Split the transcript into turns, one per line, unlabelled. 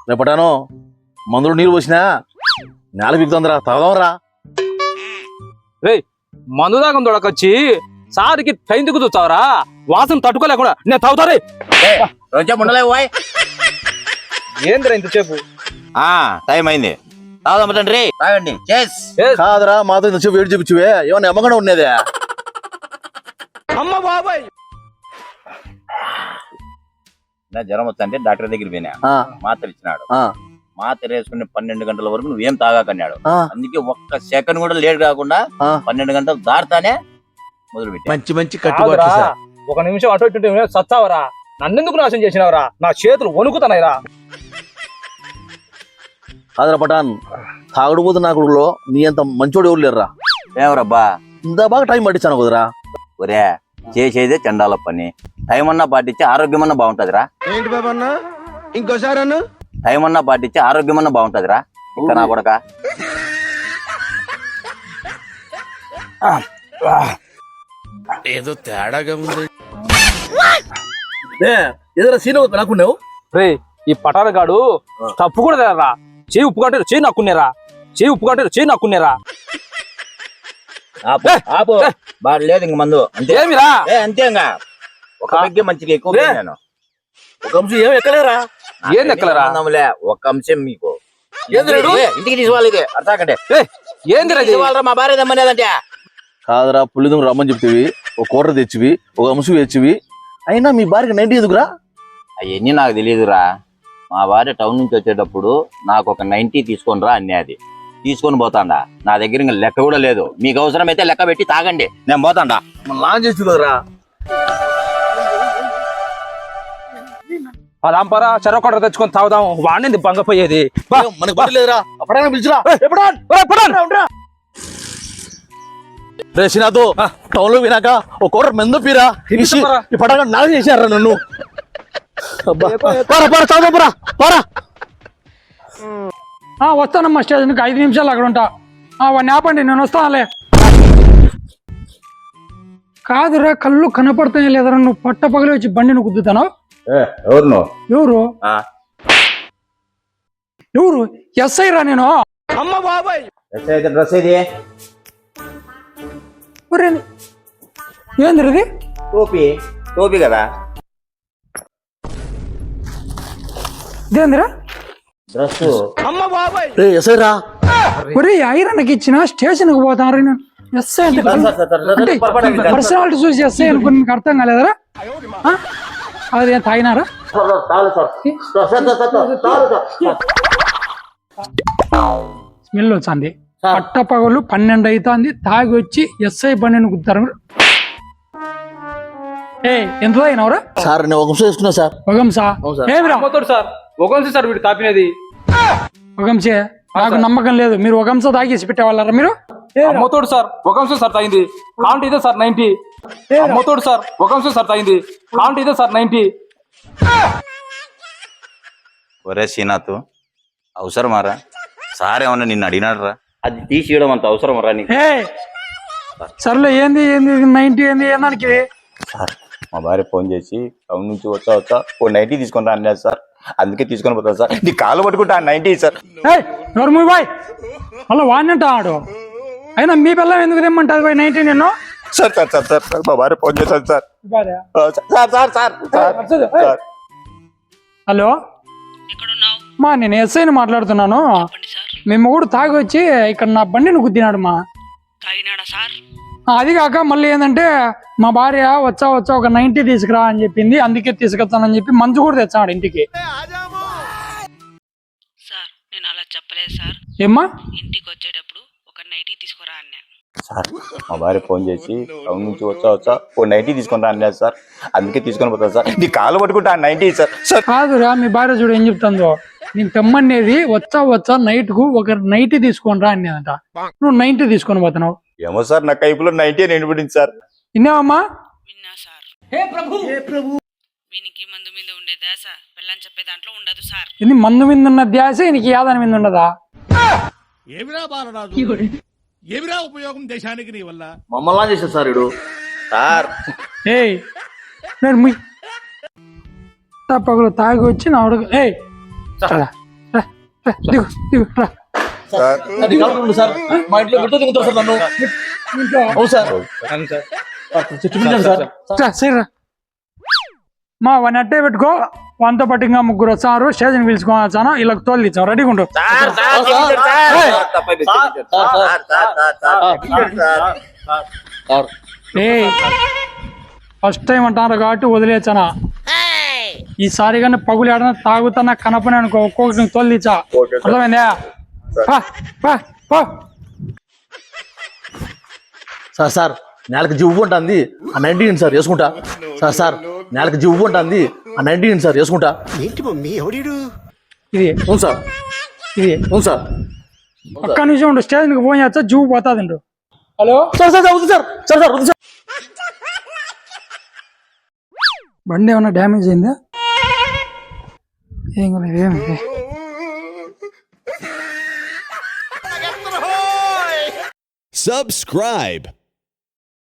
రేపటాను మందులు నీళ్ళు పోసినా నేల బిగుతుందిరా తాగదాంరా.
రే మందు దాకా దొడకొచ్చి సారికి టైందుకు చూస్తావరా వాసన తట్టుకోలేకుండా నేను తాగుతారే
రోజా ఉండలేవు బాయ్.
ఏందిరా ఇంతసేపు
టైం అయింది తాగుదాం తండ్రి తాగండి. చేస్
కాదురా మాతో ఇంతసేపు వేడి చూపించువే ఏమన్నా అమ్మకుండా ఉండేదే.
అమ్మ బాబాయ్
నా జ్వరం వస్తుంటే డాక్టర్ దగ్గర పోయినా మాత్ర ఇచ్చినాడు. మాత్ర వేసుకుని 12 గంటల వరకు నువ్వేం తాగాకన్నాడు. అందుకే ఒక్క సెకండ్ కూడా లేట్ కాకుండా 12 గంటలు దాటుతానే మొదలు పెట్టి
మంచి మంచి కట్టుబాట్లు సార్.
ఒక నిమిషం అటు ఇటు సత్తావరా నన్నెందుకు నాశనం చేసినవరా నా చేతులు వణుకుతున్నాయిరా.
కాదురా పటాన్ తాగుడుపోతు నాకుడులో నీ అంత మంచోడు ఎవరు లేరురా.
ఏమరబ్బా
ఇంత బాగా టైం పట్టించాను కుదరా.
ఒరే చేసేదే చండాల పని. టైం అన్నా పాటించి ఆరోగ్యం అన్నా బాగుంటదిరా.
ఏంటి బాబా అన్న ఇంకోసారి అన్న
టైం అన్నా పాటించి ఆరోగ్యం అన్నా బాగుంటదిరా. ఇంకా నా కొడక
ఏదో తేడాగా ఉంది.
ఏదైనా సీన్ నాకున్నావు
రే ఈ పటారగాడు తప్పు కూడా తెలరా. చేయి ఉప్పు కంటారు చేయి నక్కునేరా. చేయి ఉప్పు కంటారు చేయి నక్కునేరా.
ఆపు బాగా లేదు ఇంక మందు అంతే.
ఏమిరా
అంతే ఇంకా ఒక పెగ్గే మంచిగా ఎక్కువ నేను
ఒక అంశం ఏం ఎక్కలేరా.
ఏం ఎక్కలరా
ఒక అంశం మీకు ఇంటికి తీసుకోవాలి. ఇది అర్థాకంటే
ఏందిరా
మా భార్య దమ్మనేదంటే
కాదురా పుల్లిదం రమ్మని చెప్తివి ఒక కూర తెచ్చివి ఒక అంశం తెచ్చివి అయినా మీ భార్యకి 90 ఎందుకురా.
అవన్నీ నాకు తెలియదురా. మా భార్య టౌన్ నుంచి వచ్చేటప్పుడు నాకు ఒక 90 తీసుకొని రా అన్నది. తీసుకొని పోతాండా. నా దగ్గర ఇంకా లెక్క కూడా లేదు. మీకు అవసరం అయితే లెక్క పెట్టి తాగండి నేను పోతాండా.
లాంచ్ చేసి కదరా.
పదాంపరా చెరొకట తెచ్చుకొని తాగుదాం. వాడిని బంగపోయేది
మనకు పని లేదురా. అప్పుడైనా పిలిచిరా. రే శ్రీనాథ్ టౌన్ లో వినాక ఒక కూర మెందు పీరా ఈ పటాగా నాశనం చేశారా నన్ను.
వస్తానమ్మా స్టేషన్కి 5 నిమిషాలు అక్కడ ఉంటా. వాడిని ఆపండి నేను వస్తానులే. కాదురా కళ్ళు కనపడతాయి లేదరా నువ్వు పట్ట పగలి వచ్చి బండిని గుద్దుతాను. ఎవరు ఎవరు ఎస్ఐ రా నేను.
అమ్మ బాబాయ్
డ్రెస్ ఇది
ఏంది ఇది
టోపీ కదా
ఇదేందిరా
డ్రెస్.
అమ్మ బాబాయ్
రే ఎస్ఐ రా.
ఒరే ఐరన్కి ఇచ్చిన స్టేషన్కి పోతాను నేను. ఎస్ఐ అంటే పర్సనాలిటీ చూసి ఎస్ఐ అనుకుని మీకు అర్థం కాలేదరా. అదేం తాగినారా. స్మెల్ వచ్చింది. పట్ట పగలు 12 అవుతుంది తాగి వచ్చి ఎస్ఐ బండిని గుద్దారు. ఎంత తాగినవరా
సార్ నేను ఒక అంశం వేసుకున్నా సార్.
ఒగంసా ఏమిరా
అమ్మతోడు సార్ ఒకంసి సార్ వీడు తాపినది.
ఒగంసే నాకు నమ్మకం లేదు. మీరు ఒగంస తాగేసి పెట్టేవాళ్ళరా మీరు.
అమ్మతోడు సార్ ఒకంశం సార్ తాగింది కాంట్ ఇదే సార్ 90. అమ్మతోడు సార్ ఒకంశం సార్ తాగింది కాంట్ ఇదే సార్ 90.
ఒరే శ్రీనాథ్ అవసరమారా. సార్ ఏమన్నా నిన్ను అడిగినాడు రా. అది తీసియడం అంత అవసరం రా నీకు.
సర్లే ఏంది ఏంది 90 ఏంది ఏదానికి.
సార్ మా భార్య ఫోన్ చేసి టౌన్ నుంచి వచ్చా ఓ 90 తీసుకొని రా అన్నారు సార్. అందుకే తీసుకొని పోతాను సార్. నీ కాలు పట్టుకుంటా 90 సార్.
నోర్మూ బాయ్ అలా వాడినంట ఆడు. అయినా మీ పిల్లలు ఎందుకు తెమ్మంటారు బాయ్ 90 నేను.
Sir sir sir sir sir మా భార్య ఫోన్ చేశాను sir. Sir sir sir sir
hello మా నేను ఎస్ఐని మాట్లాడుతున్నాను. మేము కూడా తాగి వచ్చి ఇక్కడ నా బండిని గుద్దినాడు మా. అది కాక మళ్ళీ ఏంటంటే మా భార్య వచ్చా ఒక 90 తీసుకురా అని చెప్పింది. అందుకే తీసుకొస్తానని చెప్పి మంచు కూడా తెచ్చాడు ఇంటికి.
సార్ నేను అలా చెప్పలేదు సార్.
ఏమ్మా
ఇంటికి వచ్చేటప్పుడు ఒక 90 తీసుకురా అన్నా.
సార్ మా భార్య ఫోన్ చేసి టౌన్ నుంచి వచ్చా ఓ 90 తీసుకొని రా అన్నారు సార్. అందుకే తీసుకొని పోతాను సార్. నీ కాలు పట్టుకుంటా 90 సార్. సార్
కాదురా మీ భార్య చూడు ఏం చెప్తుందో. నీకు తెమ్మనేది వచ్చా నైట్ కు ఒక 90 తీసుకొని రా అనేదంట. నువ్వు 90 తీసుకొని పోతున్నావు.
ఏమో సార్ నా కైపులో 90 నిండిపోయింది సార్.
విన్నావమ్మా.
విన్నా సార్. వీనికి మందు మీద ఉండే దాస వెళ్ళని చెప్పే దాంట్లో ఉండదు సార్.
ఇది మందు మీద ఉన్న ధ్యాస నీకు యాదాని మీద ఉండదా.
ఏమిరా బాలరాజు ఏమిరా ఉపయోగం దేశానికి నీ వల్ల.
మమ్మల్ని చేశారు సార్ ఇడు
సార్.
నేను పగలు తాగి వచ్చి నా అడుగు దిగు దిగు రా.
అది కాదు ఉండు సార్, మా ఇంట్లో గుర్తు దిగుతారు సార్ నన్ను. అవును సార్, చూపించండి సార్.
రా, సరే రా. మా వన్ అట్టే పెట్టుకో, వంతో పాటు ఇంకా ముగ్గురు వచ్చారు, స్టేషన్ పిలుచుకోవచ్చాను, వీళ్ళకి తోలు ఇచ్చాం, రెడీగా ఉండు. ఫస్ట్ టైం అంటారు కాబట్టి వదిలేచానా, ఈసారి కానీ పగులు ఆడన తాగుతున్నా కనపని అనుకో, ఒక్కొక్కటి తోలు ఇచ్చా, అర్థమైందా? పా, పా, పో.
సార్ సార్ నేలకు జివ్వు ఉంటుంది ఆ 19 సార్ వేసుకుంటా. సార్ సార్ నేలకు జివ్వు ఉంటుంది ఆ 19 సార్ వేసుకుంటా.
ఇది
అవును సార్,
ఇది
అవును సార్.
ఒక్క నిమిషం ఉండు, స్టేషన్కి ఫోన్ చేస్తా, జూ పోతాది. హలో
సార్ సార్ సార్ వద్దు సార్, సార్ సార్ వద్దు సార్.
బండి ఏమన్నా డ్యామేజ్ అయిందా? ఏం కాలేదు, ఏమి
Subscribe.